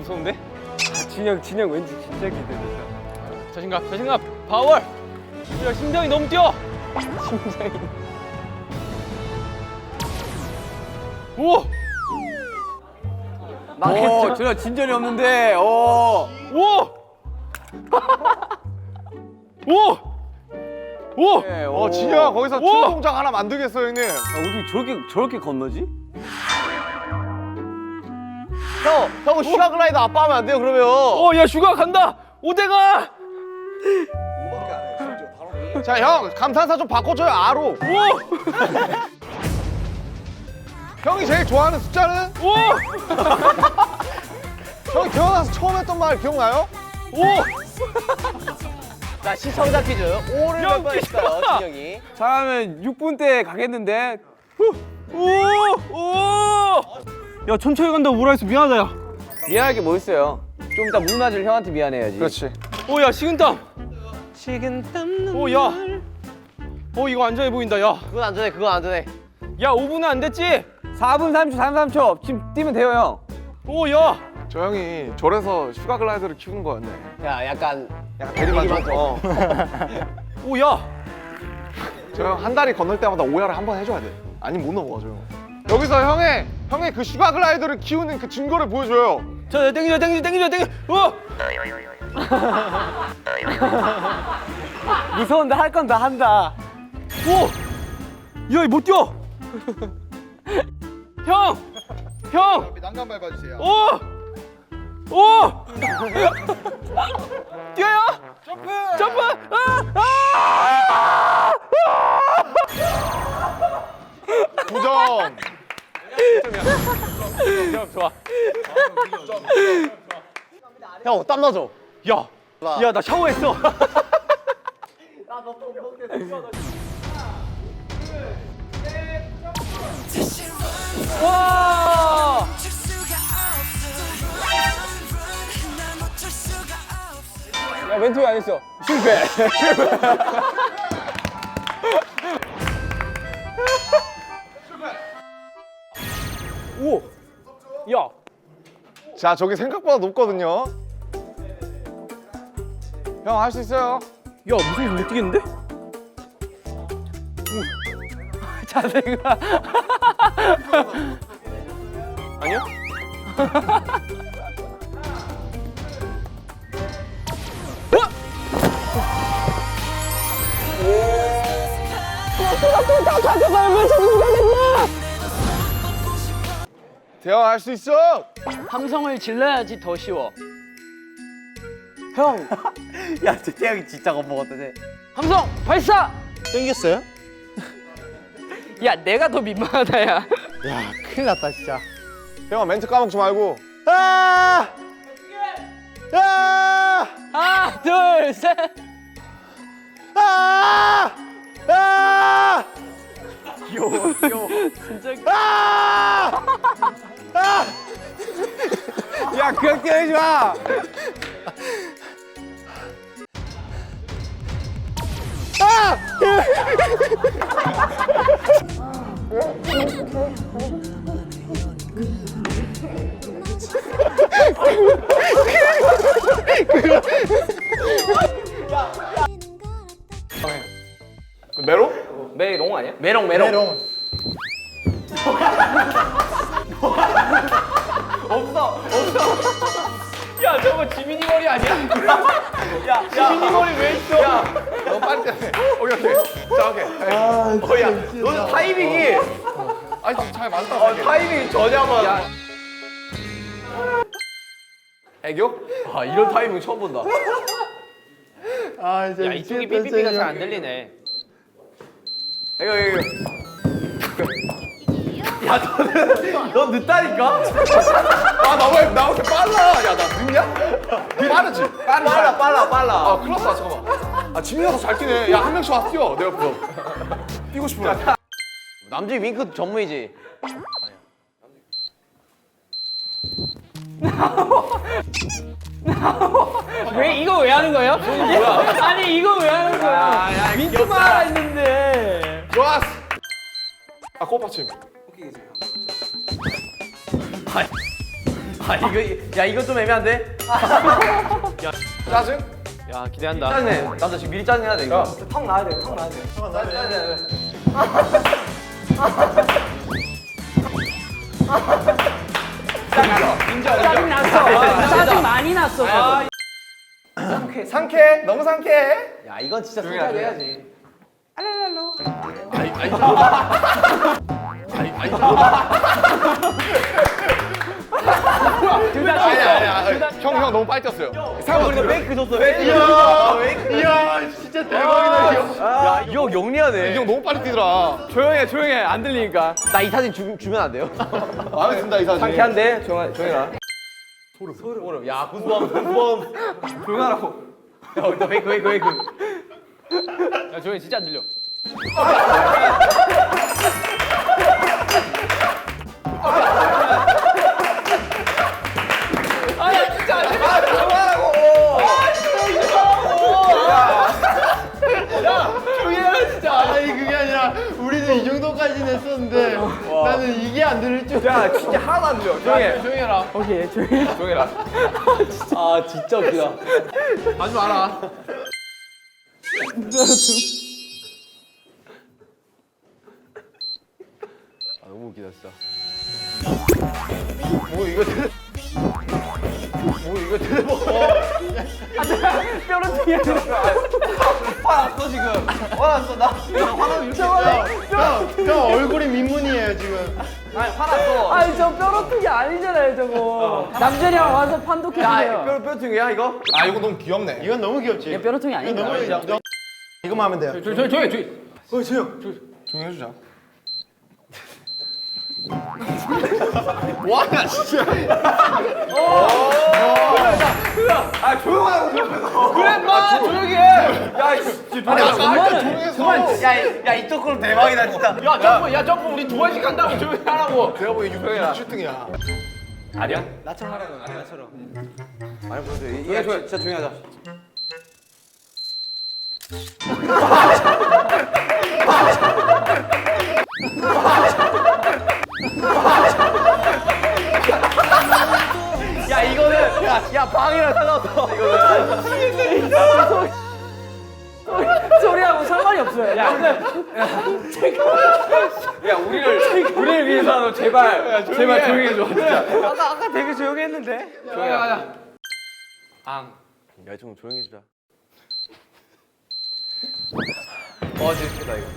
무서운데? 진영 왠지 진짜 기대된다. 자신감, 파워. 야, 심장이 너무 뛰어. 심장이. 오, 오, 전혀 진전이 없는데. 오. 오. 네, 진영아 거기서 오! 춤 동작 하나 만들겠어 형님. 어떻게 저렇게 건너지? 형 슈가글라이더 아빠 하면 안 돼요 그러면. 야, 슈가 간다. 오대가. 자 형 감탄사 좀 바꿔줘요 R로. 형이 제일 좋아하는 숫자는? 형이 태어나서 처음 했던 말 기억나요? 자, 시청자 퀴즈. 5를 몇 번 했을까요, 진영이? 잘하면 6분 때 가겠는데. 야, 천천히 간다고 뭐라 해서 미안하다, 야. 미안할 게 뭐 있어요? 좀 이따 물 맞을 형한테 미안해야지. 그렇지. 야, 식은땀. 야. 이거 안전해 보인다, 야. 그건 안전해, 그건 안전해. 야, 5분은 안 됐지? 4분 30초, 33초. 지금 뛰면 돼요, 형. 야. 저 형이 절에서 슈가글라이더를 키운 거였네. 야, 약간 대리만족. 야. 저 형 한 다리 건널 때마다 오야를 한 번 해줘야 돼. 아니면 못 넘어가 저 형. 여기서 형의 그 슈가글라이더를 키우는 그 증거를 보여줘요. 자, 땡겨. 무서운데 할 건 다 한다. 야, 못 뛰어. 형. 난간 밟아주세요. 뛰어요. 점프. 부정. 좋아. 형, 땀 나죠? 야, 나 샤워했어. 와! 야, 멘트 왜 안 했어? 실패. 오! 야! 자 저기 생각보다 높거든요. 형 할 수 있어요. 야, 무슨 못 뛰겠는데? 자세가. 아니야? 대형 할 수 있어. 함성을 질러야지 더 쉬워. 야, 저 태양이 진짜 겁먹었다, 쟤. 함성 발사! 땡겼어요? 야, 내가 더 민망하다, 야. 야 큰일 났다 진짜. 형아 멘트 까먹지 말고. 아! 아! 하나, 둘, 셋. 아! 아! 진짜. 아! 아! 야, 그냥 때리지 마. 메로? 메롱 아니야? 메롱. 야, 저거 지민이 머리 아니야? 야, 지민이 머리 왜 있어? 야, 너 빨리 해. 오케이. 자, 오케이. 야, 너는 타이밍이. 아니, 잘 맞다. 타이밍이 전혀만. 야. 애교? 아, 이런 타이밍 처음 본다. 야, 이쪽이 삐삐삐가 잘 안 들리네. 애교. 너 늦다니까? 아, 나 왜 빨라? 야, 나 늦냐? 빠르지? 빨라. 아, 큰일 났다. 잠깐만. 아, 지민이가 더 잘 뛰네. 야, 한 명씩 와서 뛰어. 내 옆으로. 뛰고 싶으면. 남준이 윙크 전문이지. 이거 왜 하는 거예요? 아니, 이거 왜 하는 거야? 민트만 하라 했는데. 좋았어. 아, 꽃받침. 이거 좀 애매한데? 짜증? 야 기대한다. 짜증내. 나도 지금 미리 짜증내야 돼 이거. 턱 나야 돼, 턱 나야 돼. 짜증 났어. 짜증 많이 났어. 상쾌해. 너무 상쾌해. 야 이건 진짜 솔직하게 해야지. 형 너무 빨리 뛰었어요. 우리가 페이크 줬어. 이야 진짜 대박이다 이 형 영리하네. 이 형 너무 빨리 뛰더라. 조용해 안 들리니까. 나 이 사진 주면 안 돼요? 알겠습니다 이 사진. 상쾌한데 조용해라. 소름. 야 구수함. 조용하라고. 너 페이크. 야 조용히 진짜 안 들려. 아니 그게 아니라 우리는 이 정도까지는 했었는데 나는 이게 안 들릴 줄. 야 진짜 하나도 안 들려. 조용해라. 오케이, 조용히. 조용해라. 아 진짜 웃기다. 하지 마라. 너무 웃기다 진짜. 뼈를 뒤에. 화났어 지금. 화났어 나. 화나면 이렇게. 형 얼굴이 민문이에요 지금. 아니 화났어. 아니, 저 뼈로트기 아니잖아요, 저거. 남준이 형 와서 판독해주세요. 뼈퉁이야 이거? 아 이거 너무 귀엽네. 이건 너무 귀엽지. 얘 뼈로트기 이건 아닌가? 너무 귀엽. 이거만 하면 돼요. 조용히. 조용히 해주자. 뭐하냐 진짜. 아 조용하라고. 그래 마 조용히 해. 야 아니 아까 할때 조용해서. 야 이쪽 걸 대박이다 진짜. 야 점프 우리 2번씩 한다고 조용히 하라고. 내가 보기엔 600 슈팅이야. 아니야? 아니 보세요. 이게 진짜 조용히 하자. 야 이거는 야 방이랑 상관없어. 이거는 소리하고 상관이 없어요. 야, 야 우리를 위해서라도 제발 조용히 해줘. 진짜. 아까 되게 조용히 했는데? 조용히 하자. 야좀 조용히 해주자. 재밌다 이거.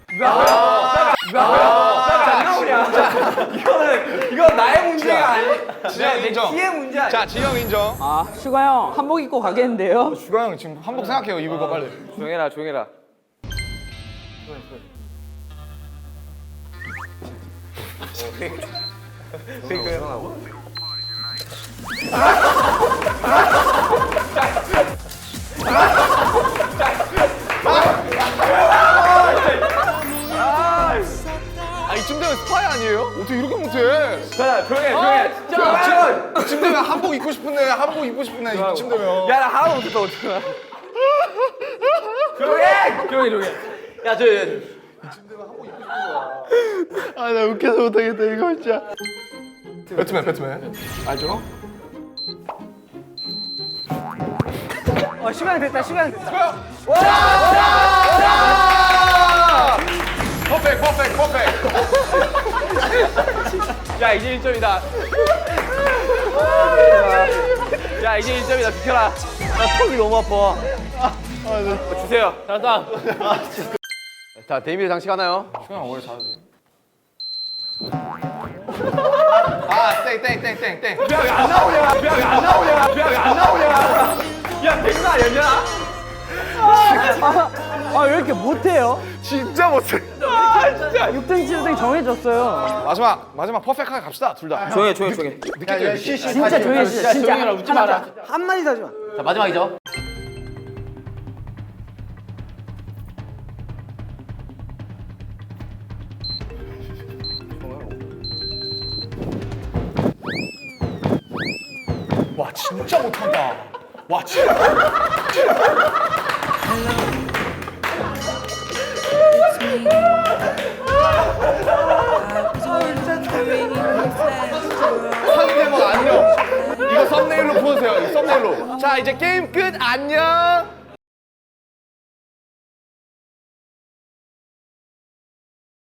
이건 나의 문제가 아니. 지영 인정. 키의 문제 아니야. 자 지영 인정. 아, 슈가 형 한복 입고 가겠는데요? 슈가 형 지금 한복 생각해요. 입을 거 빨리. 조용해라. 아 이쯤 되면 스파이 아니에요? 어떻게 이렇게 못해? 조용해. 이쯤 되면 한복 입고 싶은데 이쯤 되면. 야 나 하나도 못했어 어떡해. 조용해. 야 아 나 웃겨서 못하겠다 이거 진짜. 배트맨. 알죠? 시간이 됐다, 시간. 퍼펙트. 야 이제 1점이다. 야 이제 1점이다. 비켜라. 나 턱이 너무 아파. 주세요. 잘한다. 자 데뷔 장식 하나요? 슈가 형 원래 잘하지. 아 땡. 안 나오냐. 야 백나 아니냐? 아, 왜 이렇게 못해요? 진짜 못해. 6등, 7등 정해졌어요. 마지막 퍼펙트하게 갑시다 둘 다. 조용해. 진짜 조용히 해주세요, 진짜. 조용히 해라, 웃지 마라. 한마디도 하지 마. 자 마지막이죠. 와 진짜 못한다. 와 진짜. 상대방 안녕. 자 이제 게임 끝. 안녕.